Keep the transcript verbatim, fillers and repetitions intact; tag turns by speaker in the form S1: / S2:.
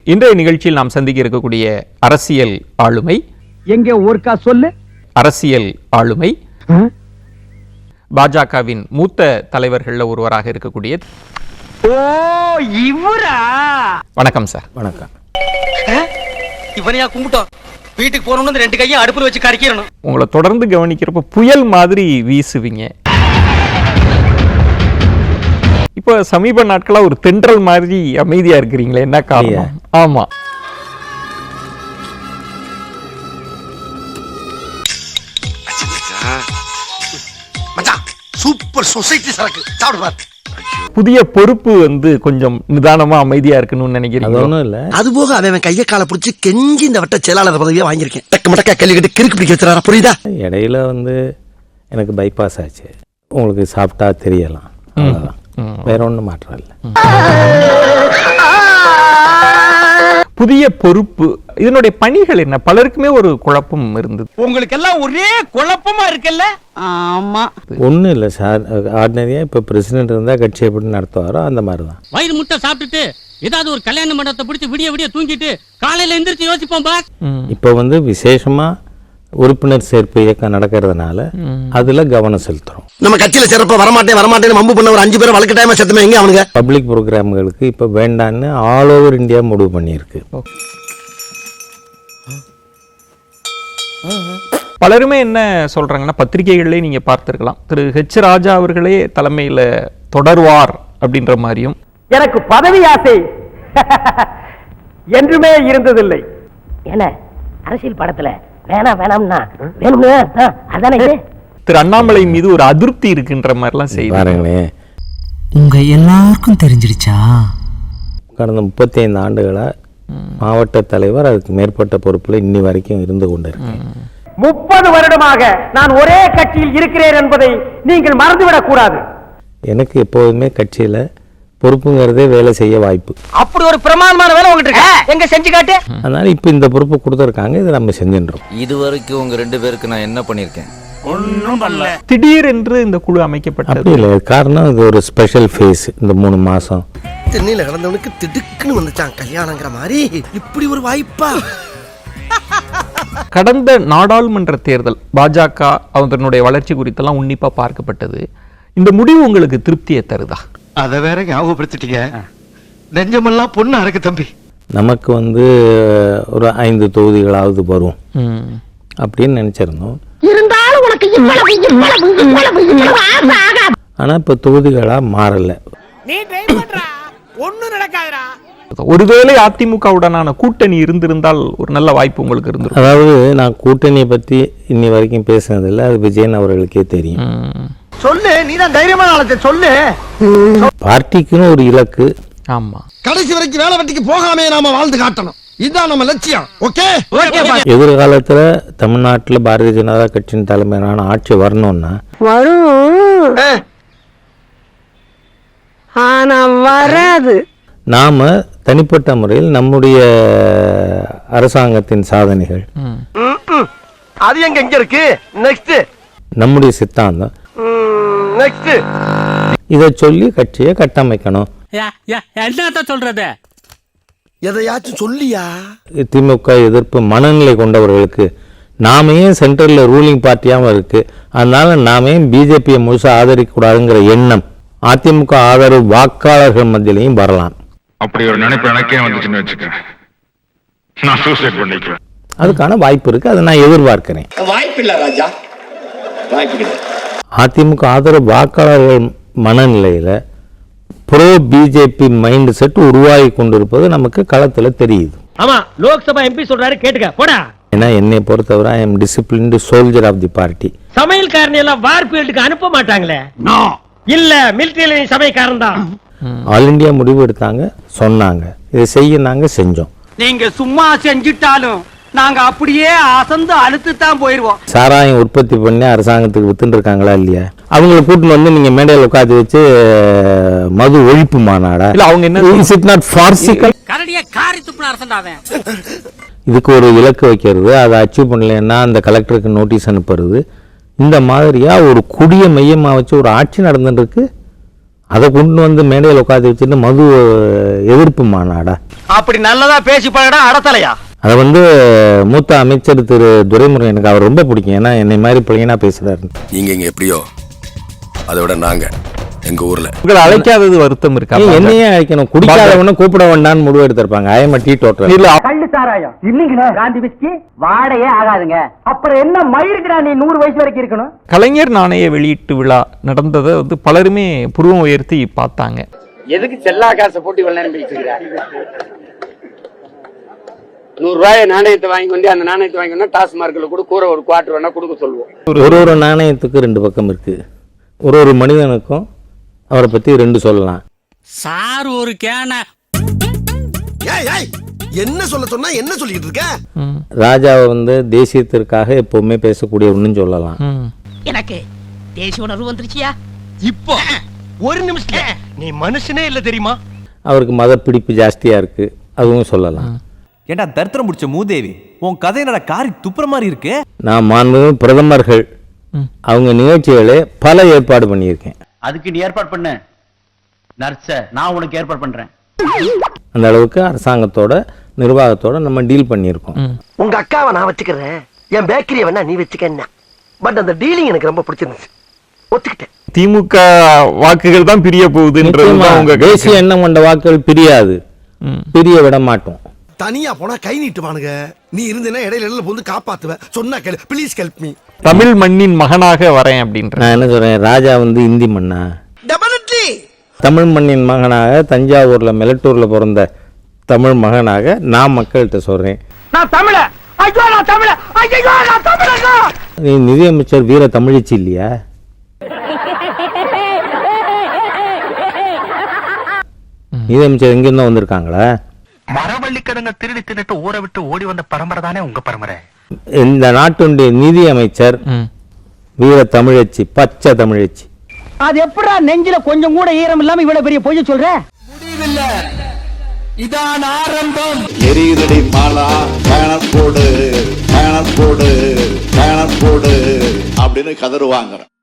S1: இன்றைய நிகழ்ச்சியில் நாம் சந்திக்க இருக்கக்கூடிய அரசியல் ஆளுமை
S2: எங்க ஊர்க்கா சொல்லு
S1: அரசியல் ஆளுமை பாஜகவின் மூத்த தலைவர்கள்ல ஒருவராக இருக்கக்கூடிய
S2: ஓ இவரா
S1: வணக்கம் சார்.
S3: வணக்கம்.
S4: இவனையா கும்பிட்டோம் வீட்டுக்கு போறோம்னு ரெண்டு கையும் அடுப்புல வச்சு கறிக்கிறணும்.
S1: உங்களை தொடர்ந்து கவனிக்கிறப்ப புயல் மாதிரி வீசுவீங்க. இப்போ சமீப நாட்களா ஒரு தென்றல் மாதிரி அமைதியா இருக்கிறீங்களே, என்ன காரணம்? ஆமா,
S5: சூப்பர் சொசைட்டி சரக்கு சாப்பிடு பாரு.
S1: புதிய பொறுப்பு வந்து கொஞ்சம் நிதானமா அமைதியா இருக்கணும்னு நினைக்கிறீங்க?
S3: ஒன்றும் இல்லை.
S5: அது போக அவன் கையை காலை பிடிச்சி கெஞ்சி இந்த வட்ட செயலாளர் பதவியா வாங்கியிருக்கேன். டக்கு மட்டக்கா கேள்வி கேட்டு கிறுக்கு பிடிக்க வச்சுறாரா, புரியுதா?
S3: இடையில வந்து எனக்கு பைபாஸ் ஆச்சு. உங்களுக்கு சாப்பிட்டா தெரியலாம், அவ்வளோதான். வேற ஒன்றும் மாற்றம் இல்லை.
S1: புதிய பொறுப்பு, இதனுடைய பணிகள் என்ன? பலருக்குமே ஒரு குழப்பம் இருந்தது.
S4: உங்களுக்கு எல்லாம் ஒரே குழப்பமா இருக்குல்ல?
S2: ஆமா,
S3: ஒன்றும் இல்லை சார். ஆர்டினரியாக இப்போ பிரசிடென்ட் இருந்தால் கட்சி எப்படி நடத்துவாரோ அந்த மாதிரி தான்.
S6: வயிறு முட்டை சாப்பிட்டுட்டு ஏதாவது ஒரு கல்யாண மண்டபத்தை பிடிச்சி விடிய விடிய தூங்கிட்டு காலையில எந்திரிச்சு யோசிப்போம் பா.
S3: இப்போ வந்து விசேஷமாக உறுப்பினர் சேர்ப்பு இயக்கம் நடக்கிறதுனால அதுல கவனம் செலுத்துறோம்.
S5: நம்ம கட்சியில சிறப்பா வரமாட்டேன் வரமாட்டேன்னு மம்பு பண்ண ஒரு அஞ்சு பேரை வழக்கு டைமா செத்துமே எங்க அவனுங்க?
S3: பப்ளிக் ப்ரோக்ராம்களுக்கு இப்போ வேண்டான்னு ஆல் ஓவர் இந்தியா முடிவு பண்ணியிருக்கு.
S1: பலருமே என்ன சொல்றாங்கன்னா, பத்திரிகைகளிலே நீங்க பார்த்திருக்கலாம், திரு ஹெச் ராஜா அவர்களே தலைமையில தொடர்வார் அப்படின்ற மாதிரியும்.
S2: எனக்கு பதவி ஆசை என்றுமே இருந்ததில்லை.
S7: என்ன அரசியல் படத்துல வேணா வேணாம்னா வேணும்னு அதானே இது.
S1: திரு அண்ணாமலை மீது ஒரு அதிருப்தி இருக்குன்ற மாதிரிலாம் செய்வாங்க.
S3: பாருங்களேன்,
S8: உங்க எல்லாருக்கும் தெரிஞ்சிடுச்சா?
S3: கடந்த முப்பத்தி ஐந்து ஆண்டுகளா மாவட்ட தலைவர், அதுக்கு மேற்பட்ட பொறுப்புல இன்னி வரைக்கும் இருந்து கொண்டிருக்கேன்.
S2: முப்பது வருடமாக நான் ஒரே கட்சியில் இருக்கிறேன் என்பதை நீங்கள் மறந்துவிடக் கூடாது. எனக்கு
S3: எப்போதுமே கட்சியில பொறுப்புங்கிறதே வேலை செய்ய வாய்ப்பு.
S4: அப்படி ஒரு பிரமாதமான வேலை உங்ககிட்ட இருக்கு, எங்க செஞ்சு காட்டு.
S3: அதனால இப்ப இந்த பொறுப்பு கொடுத்துருக்காங்க, இதை நம்ம செஞ்சின்றோம்.
S9: இது வரைக்கும் உங்க ரெண்டு பேருக்கு நான் என்ன பண்ணிருக்கேன்?
S4: ஒன்னும் பண்ணல.
S1: திடீர் என்று இந்த குழு அமைக்கப்பட்டது.
S3: அப்படி இல்லை, காரணம் இது ஒரு ஸ்பெஷல் ஃபேஸ். இந்த மூணு மாசம்
S5: தென்னையில கடந்தவனுக்கு திடுக்குன்னு வந்துச்சான் கல்யாணங்கிற மாதிரி. இப்படி ஒரு வாய்ப்பா?
S1: கடந்த நாடாளுமன்ற தேர்தல் பாஜக அதனுடைய வளர்ச்சி குறித்தெல்லாம் உன்னிப்பா பார்க்கப்பட்டது. இந்த முடிவு உங்களுக்கு திருப்தியை தருதா?
S5: அத வேற ஞாபகப்படுத்திட்டீங்க. நெஞ்சமெல்லாம் பொண்ணு அறக்கு தம்பி. நமக்கு
S3: வந்து ஒரு ஐந்து தொகுதிகளாவது வரும் அப்படின்னு நினைச்சிருந்தோம்.
S7: இருந்தாலும் உனக்கு இவ்வளவு இவ்வளவு இவ்வளவு இவ்வளவு ஆசை ஆகாது.
S3: ஆனா இப்ப தொகுதிகளா மாறல.
S4: நீ ட்ரை பண்றா, ஒண்ணும் நடக்காதுடா.
S1: ஒருவேளை அதிமுகவுடனான கூட்டணி இருந்திருந்தால் ஒரு நல்ல வாய்ப்பு உங்களுக்கு இருந்திருக்கும்.
S3: அதாவது நான் கூட்டணியை பத்தி இன்னி வரைக்கும் பேசினதில்லை, அது விஜயன் அவர்களுக்கே தெரியும்.
S2: சொல்லு, நீதான் தைரியமான ஆளத்தை சொல்லு.
S3: பார்ட்டிக்குன்னு ஒரு இலக்கு.
S1: ஆமா,
S5: கடைசி வரைக்கும் வேலை வெட்டிக்கு போகாமே நாம வாழ்ந்து காட்டணும். இதுதான் நம்ம லட்சியம். ஓகே,
S3: எதிர்காலத்துல தமிழ்நாட்டுல பாரதிய ஜனதா கட்சியின் தலைமையிலான ஆட்சி வரணும்னா
S7: வரும், ஆனா வராது.
S3: நாம தனிப்பட்ட முறையில் நம்முடைய அரசாங்கத்தின் சாதனைகள்,
S2: அது எங்க எங்க இருக்கு? நெக்ஸ்ட்
S3: நம்முடைய சித்தாந்தம்,
S2: நெக்ஸ்ட்
S3: இதை சொல்லி கட்சியை கட்டமைக்கணும்.
S6: என்னத்த சொல்றது?
S5: எதையாச்சும் சொல்லியா?
S3: திமுக எதிர்ப்பு மனநிலை கொண்டவர்களுக்கு நாம ஏன் சென்ட்ரல்ல ரூலிங் பார்ட்டியாவும் இருக்கு, அதனால நாம ஏன் பிஜேபியை முழுசா ஆதரிக்க கூடாதுங்கிற எண்ணம் அதிமுக ஆதரவு வாக்காளர்கள் மத்தியிலையும் வரலாம்.
S10: அப்படி ஒரு நினைப்பு எனக்கே வந்துச்சுன்னு வச்சுக்க, நான் சூசைட் பண்ணிக்குவேன்.
S3: அதுக்கான வாய்ப்பு இருக்கு, அதை நான் எதிர்பார்க்கிறேன்.
S5: வாய்ப்பு இல்ல ராஜா, வாய்ப்பு இல்லை.
S3: அதிமுக ஆதரவு வாக்காளர்கள் மனநிலையில ப்ரோ பிஜேபி மைண்ட் செட் உருவாகி கொண்டிருப்பது நமக்கு களத்துல தெரியுது.
S2: ஆமா, லோக்சபா எம்பி சொல்றாரு, கேட்டுக்க போடா.
S3: ஏன்னா என்னை பொறுத்தவரை I am disciplined soldier of the party.
S2: சமையல்காரன் எல்லாம் வார் ஃபீல்டுக்கு அனுப்ப மாட்டாங்களே. இல்ல, மிலிட்டரியில சமையல்காரன் தான்.
S3: ஆல் இந்தியா முடிவு எடுத்தாங்க, சொன்னாங்க, இதை செய்ய நாங்க செஞ்சோம்.
S4: நீங்க சும்மா செஞ்சுட்டாலும் நாங்க அப்படியே அசந்து அழுத்து தான் போயிருவோம்.
S3: சாராயம் உற்பத்தி பண்ணி அரசாங்கத்துக்கு வித்துட்டு இருக்காங்களா இல்லையா? அவங்களை கூட்டின்னு வந்து நீங்க மேடையில் உட்காந்து வச்சு மது ஒழிப்பு மாநாடா?
S1: இல்ல, அவங்க என்ன
S3: இஸ் இட் நாட் ஃபார்சிக்கல்?
S6: கரடியா காரி துப்புன அரசண்டாவே.
S3: இதுக்கு ஒரு இலக்கு வைக்கிறது, அதை அச்சீவ் பண்ணலன்னா அந்த கலெக்டருக்கு நோட்டீஸ் அனுப்புறது, இந்த மாதிரியா ஒரு குடிய மையமா வச்சு ஒரு ஆட்சி நடந்துட்டு இருக்கு. அதை கொண்டு வந்து மேடையில் உட்காந்து வச்சுட்டு மது எதிர்ப்பு மாநாடா?
S4: அப்படி நல்லதா பேசி பழடா அடத்தலையா.
S3: அதை வந்து மூத்த அமைச்சர் திரு துரைமுருகன், எனக்கு அவர் ரொம்ப பிடிக்கும். ஏன்னா என்னை மாதிரி பிள்ளைங்கனா பேசுறாரு.
S5: நீங்க இங்க எப்படியோ அதை விட நாங்க எங்க ஊர்ல
S1: உங்களை அழைக்காதது வருத்தம் இருக்கா?
S3: என்னையே அழைக்கணும், குடிக்காதவன கூப்பிட வேண்டாம்னு முடிவு எடுத்திருப்பாங்க. I am teetotal.
S1: இல்ல
S2: கள்ளு சாராயம் இல்லீங்களா? காந்தி விஸ்கி வாடையே ஆகாதுங்க. அப்புறம் என்ன மயிருக்குடா நீ நூறு வயசு வரைக்கும் இருக்கணும்?
S1: கலைஞர் நாணய வெளியீட்டு விழா நடந்ததை வந்து பலருமே புருவம் உயர்த்தி பார்த்தாங்க.
S2: எதுக்கு செல்லா காசை போட்டு இவ்வளவு நேரம் பேசிக்கிறா? நூறு ரூபாய் நாணயத்தை வாங்கி கொண்டு அந்த நாணயத்தை வாங்கி கொண்டு டாஸ்மார்க்ல கூட கூற ஒரு குவார்டர் வேணா கொடுக்க சொல்லுவோம்.
S3: ஒரு ஒரு நாணயத்துக்கு ரெண்டு பக்கம் இருக்கு. ஒரு ஒரு மனிதனுக்கும் அவரை பத்தி ரெண்டு சொல்லலாம்.
S6: சார் ஒரு கேன
S5: என்ன சொல்ல சொன்னா என்ன சொல்லிட்டு இருக்க?
S3: ராஜாவை வந்து தேசியத்திற்காக எப்பவுமே பேசக்கூடிய ஒண்ணுன்னு சொல்லலாம்.
S7: எனக்கு தேசிய உணர்வு வந்துருச்சியா?
S4: இப்போ ஒரு நிமிஷத்துல நீ மனுஷனே இல்ல தெரியுமா?
S3: அவருக்கு மத பிடிப்பு ஜாஸ்தியா இருக்கு, அதுவும் சொல்லலாம்.
S11: ஏண்டா தரித்திரம் முடிச்ச மூதேவி, உன் கதை என்னடா காரி துப்புற மாதிரி இருக்கு.
S3: நான் மாண்பு பிரதமர்கள் அவங்க நிகழ்ச்சிகளே பல ஏற்பாடு பண்ணியிருக்கேன்.
S2: அதுக்கு நீ ஏற்பாடு பண்ண நர்ஸ நான் உனக்கு ஏற்பாடு பண்றேன்.
S3: அந்த அளவுக்கு அரசாங்கத்தோட நிர்வாகத்தோட நம்ம டீல் பண்ணியிருக்கோம்.
S5: உங்க அக்காவை நான் வச்சுக்கிறேன், என் பேக்கரியை வேணா நீ வச்சுக்க. பட் அந்த டீலிங் எனக்கு ரொம்ப பிடிச்சிருந்துச்சு, ஒத்துக்கிட்டேன்.
S1: திமுக வாக்குகள் தான் பிரிய போகுதுன்றது உங்க
S3: தேசிய எண்ணம் கொண்ட வாக்குகள் பிரியாது, பிரிய விட மாட்டோம்.
S5: தனியா போனா கை நீட்டுவானுங்க. நீ இருந்தேன்னா இடையில இடையில வந்து காப்பாத்துவ. சொன்னா கேளு, ப்ளீஸ் ஹெல்ப் மீ.
S1: தமிழ் மண்ணின் மகனாக வரேன் அப்படின்ற
S3: நான் என்ன சொல்றேன், ராஜா வந்து இந்தி மண்ணா?
S5: டெபினெட்லி
S3: தமிழ் மண்ணின் மகனாக தஞ்சாவூர்ல மெலட்டூர்ல பிறந்த தமிழ் மகனாக நான் மக்கள்கிட்ட சொல்றேன்,
S2: நான் தமிழ. ஐயோ நான் தமிழ. ஐயோ நான் தமிழங்க.
S3: நீ நிதியமைச்சர் வீர தமிழிச்சி இல்லையா? நிதியமைச்சர் எங்கிருந்தோ வந்திருக்காங்களா?
S4: மரவள்ளி கிழங்க திருடி தின்னுட்டு ஊரை விட்டு ஓடி வந்த பரம்பரை தானே உங்க பரம்பரை.
S3: இந்த நாட்டுடைய நிதி அமைச்சர் வீர தமிழச்சி, பச்சை தமிழச்சி.
S2: அது எப்படா நெஞ்சில கொஞ்சம் கூட ஈரம் இல்லாம இவ்வளவு பெரிய பொய்ய சொல்ற?
S5: முடிவில்ல, இதான் ஆரம்பம்.
S12: எரியுதடி மாலா, பேனர் போடு பேனர் போடு பேனர் போடு அப்படின்னு கதறுவாங்க.